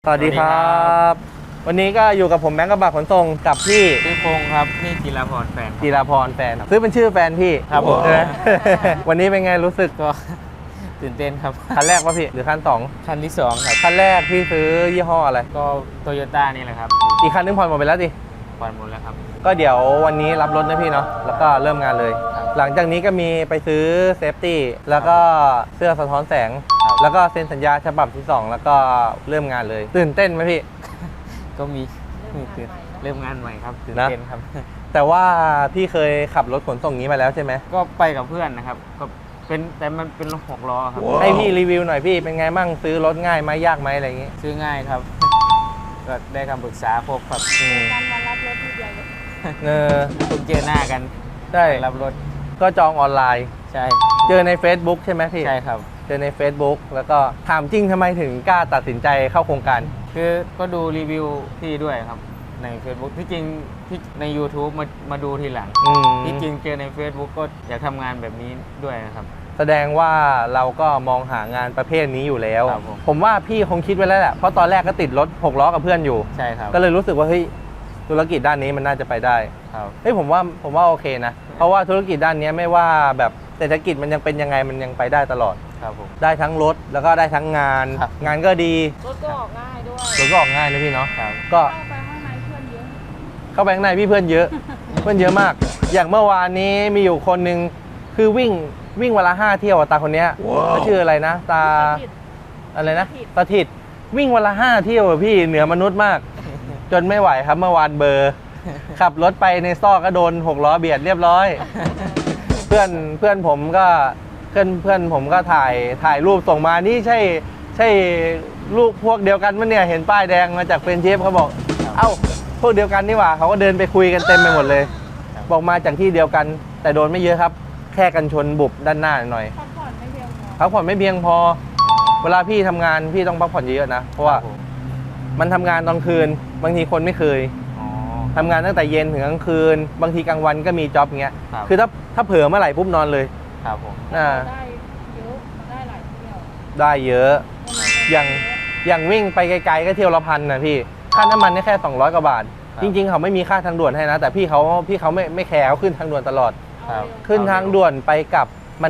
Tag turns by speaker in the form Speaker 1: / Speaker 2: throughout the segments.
Speaker 1: สวัสดีครับวันนี้ก็อยู่กับผมแบงค์กระบะขนส่งกับพี่
Speaker 2: ชื่อพงครับนี่จิราพรแฟนครับ
Speaker 1: จิราพรแฟนซื้อเป็นชื่อแฟนพี่
Speaker 2: ครับผม
Speaker 1: ใช่ไหม วันนี้เป็นไงรู้สึก
Speaker 2: ก็ตื่นเต้นครับ
Speaker 1: คันแรกป่ะพี่หรือคันสอง
Speaker 2: คันที่2ครับ
Speaker 1: คันแรกพี่ซื้อยี่ห้ออะไร
Speaker 2: ก็โตโยต้านี่แหละครับ
Speaker 1: อีกคันนึงผ่อนหมดไปแล้วดิ
Speaker 2: ผ่อนหมดแล้วครับ
Speaker 1: ก็เดี๋ยววันนี้รับรถนะพี่เนาะแล้วก็เริ่มงานเลย
Speaker 2: ครับ
Speaker 1: หลังจากนี้ก็มีไปซื้อเซฟตี้แล้วก็เสื้อสะท้อนแสง
Speaker 2: ครับ
Speaker 1: แล้วก็เซ็นสัญญาฉบับที่ 2 แล้วก็เริ่มงานเลย ตื่นเต้นไหมพี่
Speaker 2: ก็มีตื่นเริ่มงานใหม่ครับตื่นเต้นครับ
Speaker 1: แต่ว่าพี่เคยขับรถขนส่งนี้มาแล้วใช่ไหม
Speaker 2: ก็ไปกับเพื่อนนะครับก็เป็นแต่มันเป็น6 ล้อครับ
Speaker 1: ให้พี่รีวิวหน่อยพี่เป็นไงมั่งซื้อรถง่ายไหมยากไหมอะไรอย่างงี้
Speaker 2: ซื้อง่ายครับ ก็ได้คำปรึกษาครบครับ
Speaker 3: การมารับรถทีเดียวเลย
Speaker 1: เออ
Speaker 2: เพิ่งเจอหน้ากัน
Speaker 1: ใช่
Speaker 2: รับรถ
Speaker 1: ก็จองออนไลน์
Speaker 2: ใช่
Speaker 1: เจอใน Facebook ใช่ไหมพี่
Speaker 2: ใช่ครับ
Speaker 1: เจอใน Facebook แล้วก็ถามจริงทำไมถึงกล้าตัดสินใจเข้าโครงการ
Speaker 2: คือก็ดูรีวิวพี่ด้วยครับใน Facebook ที่จริงที่ใน YouTube มาดูทีหลัง
Speaker 1: อืม
Speaker 2: ที่จริงเจอใน Facebook ก็อยากทำงานแบบนี้ด้วยนะครับ
Speaker 1: แสดงว่าเราก็มองหางานประเภทนี้อยู่แล้ว
Speaker 2: ครับผม
Speaker 1: ผมว่าพี่คงคิดไว้แล้วแหละเพราะตอนแรกก็ติดรถ6ล้อกับเพื่อนอยู่
Speaker 2: ใช่ครับ
Speaker 1: ก็เลยรู้สึกว่าเฮ้ยธุรกิจด้านนี้มันน่าจะไปได้
Speaker 2: ครับ
Speaker 1: เฮ้ยผมว่าโอเคนะ เพราะว่าธุรกิจด้านนี้ไม่ว่าแบบเศรษฐกิจมันยังเป็นยังไงมันยังไปได้ตลอด
Speaker 2: ครับผม
Speaker 1: ได้ทั้งรถแล้วก็ได้ทั้งงาน
Speaker 2: ครับ
Speaker 1: งานก็ดี
Speaker 3: รถก็ออกง่ายด้วย
Speaker 1: รถก็ออกง่ายนะพี่เนาะ
Speaker 2: ครับ
Speaker 1: ก็
Speaker 3: เข้าไปข้างในเพื่อนเยอะ
Speaker 1: เข้าไปข้างในพี่เพื่อนเยอะ เพื่อนเยอะมาก อย่างเมื่อวานนี้มีอยู่คนหนึ่งคือวิ่งวันละ5 เที่ยวอะตาคนเนี้ยเขาชื่ออะไรนะตาอะไรนะตาถิดวิ่งวันละ5 เที่ยวอะพี่เหนือมนุษย์มาก จนไม่ไหวครับเมื่อวานเบอร์ ขับรถไปในซอกก็โดน6ล้อเบียดเรียบร้อย เพื่อนผมก็เพื่อนผมก็ถ่ายรูปส่งมานี่ใช่ลูกพวกเดียวกันมั้ยเนี่ยเห็นป้ายแดงมาจากเฟรนช์เชฟเขาบอก เอ้าพวกเดียวกันนี่หว่าเขาก็เดินไปคุยกันเต็มไปหมดเลย บอกมาจากที่เดียวกัน แต่โดนไม่เยอะครับ แค่กันชนบุบด้านหน้าหน่อย
Speaker 3: พักผ่อนไม่เพียงพอ
Speaker 1: พักผ่อนไม่เพียงพอ เวลาพี่ทำงานพี่ต้องพักผ่อนเยอะๆนะเพราะว่า
Speaker 2: ครับผม
Speaker 1: มันทำงานตอนคืน บางทีคนไม่เคย
Speaker 2: อ๋อ
Speaker 1: ทำงานตั้งแต่เย็นถึงกลางคืน บางทีกลางวันก็มีจ็อบอย่างเงี้ย
Speaker 2: ครับ
Speaker 1: คือถ้าเผลอเมื่อไหร่ปุ๊บนอนเลย
Speaker 2: ครับผม
Speaker 1: อ่า
Speaker 3: ได้เยอะมันได้หลายเที่ยว
Speaker 1: ได้เยอะ อย่างวิ่งไปไกลๆก็เที่ยวละ1,000นะพี่ค่าน้ำมันนี่แค่200 กว่าบาท จริงๆเขาไม่มีค่าทางด่วนให้นะ แต่พี่เขาไม่แคร์เขาขึ้นทางด่วนตลอด
Speaker 2: ครับ
Speaker 1: ขึ้นทางด่วนไปกลับมัน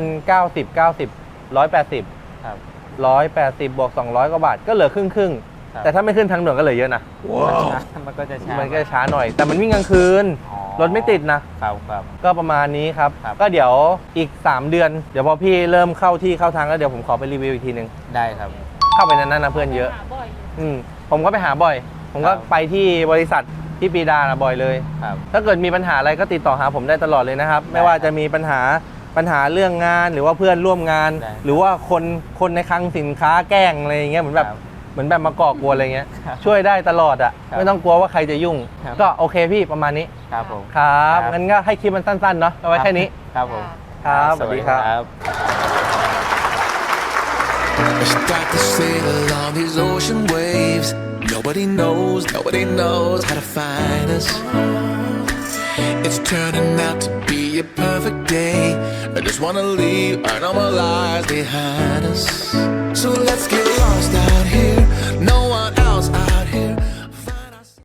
Speaker 1: 180
Speaker 2: ครับ
Speaker 1: 180บวก200 กว่าบาทก็เหลือครึ่ง
Speaker 2: ครับ
Speaker 1: แต่ถ้าไม่ขึ้นทางด่วนก็เหลือเยอะนะ
Speaker 2: มันก็จะช้า
Speaker 1: มันก็ช้าหน่อย แต่มันวิ่งกลางคืน
Speaker 2: อ๋อ
Speaker 1: รถไม่ติดนะ
Speaker 2: ครับครับ
Speaker 1: ก็ประมาณนี้ครับ
Speaker 2: ครับ
Speaker 1: ก็เดี๋ยวอีก3 เดือนเดี๋ยวพอพี่เริ่มเข้าที่เข้าทางแล้วเดี๋ยวผมขอไปรีวิวอีกทีนึง
Speaker 2: ได้ครับ
Speaker 1: เข้าไปนั้นนะเพื่อนเยอะ
Speaker 3: หาบ่อยอยู่
Speaker 1: ผมก็ไปหาบ่อย ผมก็
Speaker 2: ครับ
Speaker 1: ไปที่บริษัทที่ปีดานะบ่อยเลย
Speaker 2: ครับ
Speaker 1: ถ้าเกิดมีปัญหาอะไรก็ติดต่อหาผมได้ตลอดเลยนะครับ ไม่ว่าจะมีปัญหาเรื่องงานหรือว่าเพื่อนร่วมงาน
Speaker 2: ได้
Speaker 1: หรือว่าคนในคลังสินค้าแกล้งอะไรอย่างเงี้ยเหมือนแบบ
Speaker 2: ครับ
Speaker 1: มาก่อกวนอะไรเงี้ย
Speaker 2: ครับ
Speaker 1: ช่วยได้ตลอดอ่ะ
Speaker 2: ครับ
Speaker 1: ไม่ต้องกลัวว่าใครจะยุ่ง
Speaker 2: ครับ
Speaker 1: ก็โอเคพี่ประมาณนี้
Speaker 2: ครับผม
Speaker 1: ครับ
Speaker 2: ครับ
Speaker 1: งั้นก็ให้คลิปมันสั้นๆเนาะเอาไว้แค่นี้
Speaker 2: ครับผม
Speaker 1: ครับสวัสดีครับ
Speaker 4: Let's start to sail along these ocean waves. Nobody knows how to find us. It's turning out to be a perfect day. I just wanna leave our normal lives behind us. So let's get lost out here. No